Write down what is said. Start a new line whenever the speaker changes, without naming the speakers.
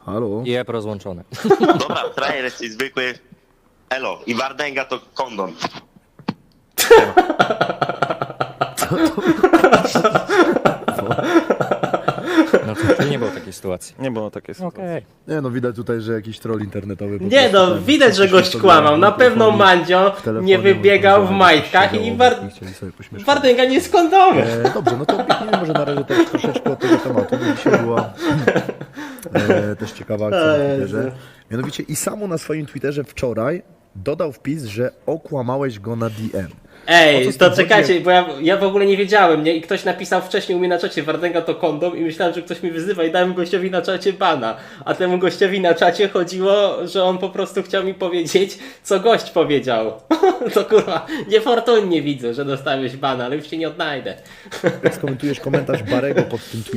Halo?
I app rozłączony.
Dobra, frajer jesteś zwykły. Elo. I Wardęga to kondom.
No to nie było takiej sytuacji.
Nie było takiej sytuacji.
Okej.
Nie no, widać tutaj, że jakiś troll internetowy. po
Nie
prostu
no,
tam
widać, że
puścił
gość
sobie
kłamał. Na
mikrofonik
pewno Mandzio
w telefonie,
nie wybiegał w
powiedział,
majtkach
że
i
siedział, chcieli sobie pośmieszać.
Wardęga nie jest kondomem.
Dobrze, no to odbiegnijmy może na razie też troszeczkę od tego tematu, bo dzisiaj była też ciekawa akcja na Twitterze. Mianowicie Isamu na swoim Twitterze wczoraj dodał wpis, że okłamałeś go na DM. O
Ej,
co z
to
tym
czekajcie,
chodzi?
bo ja w ogóle nie wiedziałem, nie? I ktoś napisał wcześniej u mnie na czacie Wardęga to kondom i myślałem, że ktoś mi wyzywa i dałem gościowi na czacie bana. A temu gościowi na czacie chodziło, że on po prostu chciał mi powiedzieć, co gość powiedział. To kurwa, niefortunnie widzę, że dostałeś bana, ale już się nie odnajdę.
Jak skomentujesz komentarz Barego pod tym tweetem?